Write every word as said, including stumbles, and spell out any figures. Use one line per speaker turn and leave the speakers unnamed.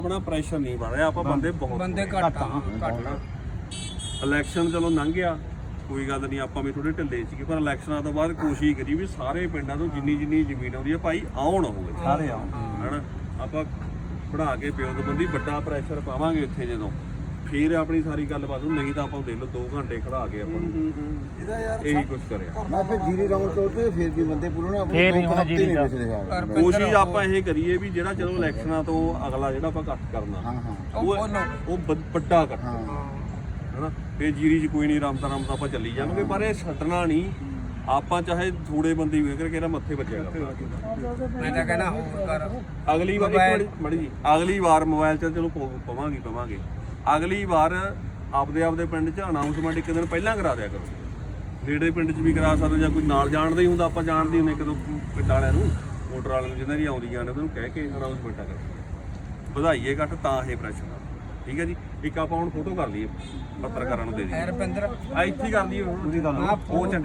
ਆਪਣਾ ਪ੍ਰੈਸ਼ਰ ਨਹੀਂ ਬਣ ਰਿਹਾ, ਆਪਾਂ ਬੰਦੇ ਬਹੁਤ
ਬੰਦੇ ਘੱਟ ਆ ਘੱਟ ਆ।
ਇਲੈਕਸ਼ਨ ਚਲੋ ਲੰਘ ਗਿਆ, ਕੋਈ ਗੱਲ ਨਹੀਂ, ਆਪਾਂ ਵੀ ਥੋੜੇ ਢਿੱਲੇ ਸੀਗੇ, ਪਰ ਇਲੈਕਸ਼ਨਾਂ ਤੋਂ ਬਾਅਦ ਕੋਸ਼ਿਸ਼ ਕਰੀ ਵੀ ਸਾਰੇ ਪਿੰਡਾਂ ਤੋਂ ਜਿੰਨੀ ਜਿੰਨੀ ਜ਼ਮੀਨ ਆਉਂਦੀ ਹੈ ਭਾਈ ਆਉਣ ਹੋਵੇ
ਸਾਰੇ ਆਉਣ
ਹਨਾ। ਆਪਾਂ ਪੜਾ ਕੇ ਪਿਓ ਤੋਂ ਬੰਦੀ ਵੱਡਾ ਪ੍ਰੈਸ਼ਰ ਪਾਵਾਂਗੇ ਇੱਥੇ ਜਦੋਂ, ਫੇਰ ਆਪਣੀ ਸਾਰੀ ਗੱਲਬਾਤ ਨੂੰ, ਨਹੀਂ ਤਾਂ ਆਪਾਂ ਦੇ ਲਓ ਦੋ ਘੰਟੇ ਖੜਾ ਕੇ ਆਪਾਂ
ਇਹਦਾ ਯਾਰ
ਇਹੀ ਕੁਝ ਕਰਿਆ।
ਮੈਂ ਫਿਰ ਜੀਰੀ ਰਾਉਂਡ ਤੋੜ ਤੇ ਫਿਰ ਵੀ ਬੰਦੇ ਪੂਰੇ
ਫੇਰ ਨਹੀਂ ਹੋਣਾ ਜੀਰੀ ਦਾ।
ਕੋਸ਼ਿਸ਼ ਆਪਾਂ ਇਹ ਕਰੀਏ ਵੀ ਜਿਹੜਾ ਚਲੋ ਇਲੈਕਸ਼ਨਾਂ ਤੋਂ ਅਗਲਾ ਜਿਹੜਾ ਆਪਾਂ ਇਕੱਠ ਕਰਨਾ
ਹਾਂ ਹਾਂ
ਉਹ ਉਹ ਵ- ਵੱਡਾ ਇਕੱਠ
ਹਾਂ
ਹਨਾ। ਫੇਰ ਜੀਰੀ 'ਚ ਕੋਈ ਨਹੀਂ, ਰਮਤਾ ਰਮਤਾ ਆਪਾਂ ਚੱਲੀ ਜਾਵਾਂਗੇ, ਪਰ ਇਹ ਛੱਡਣਾ ਨਹੀਂ ਆਪਾਂ, ਚਾਹੇ ਥੋੜੇ ਬੰਦੇ ਵੀ ਕਰਕੇ ਇਹਦਾ ਮੱਥੇ ਵੱਜਿਆ ਕਰਨਾ।
ਮੈਂ ਤਾਂ ਕਹਿਣਾ ਹੋਰ ਕਰ
ਅਗਲੀ ਵਾਰ ਇੱਕ ਮੜੀ ਜੀ ਅਗਲੀ ਵਾਰ ਮੋਬਾਈਲ 'ਚ ਚਲੋ ਪ- ਪਵਾਂਗੇ ਪਵਾਂਗੇ ਅਗਲੀ ਵਾਰ ਆਪਦੇ ਆਪਦੇ ਪਿੰਡ 'ਚ ਅਨਾਉਂਸਮੈਂਟ ਇੱਕ ਦਿਨ ਪਹਿਲਾਂ ਕਰਾ ਦਿਆ ਕਰੋ। ਨੇੜੇ ਪਿੰਡ 'ਚ ਵੀ ਕਰਾ ਸਕਦੇ, ਜਾਂ ਕੋਈ ਨਾਲ ਜਾਣਦਾ ਹੀ ਹੁੰਦਾ, ਆਪਾਂ ਜਾਣਦੇ ਹੁੰਦੇ ਇੱਕ ਦੋ ਪਿੰਡ ਵਾਲਿਆਂ ਨੂੰ, ਮੋਟਰ ਵਾਲਿਆਂ ਨੂੰ, ਜਿਹਨਾਂ ਦੀ ਆਉਂਦੀਆਂ ਨੇ, ਉਹਨੂੰ ਕਹਿ ਕੇ ਅਨਾਉਂਸਮੈਂਟਾਂ ਕਰੋ, ਵਧਾਈਏ ਘੱਟ ਤਾਂ ਇਹ ਪ੍ਰੈਸ਼ਰ। ਠੀਕ ਹੈ ਜੀ। ਇੱਕ ਆਪਾਂ ਹੁਣ ਫੋਟੋ ਕਰ ਲਈਏ, ਪੱਤਰਕਾਰਾਂ ਨੂੰ ਦੇ ਦਈਏ,
ਰੁਪਿੰਦਰ
ਆ ਇੱਥੇ ਹੀ ਕਰ ਲਈਏ ਹੁਣ।
ਆ
ਉਹ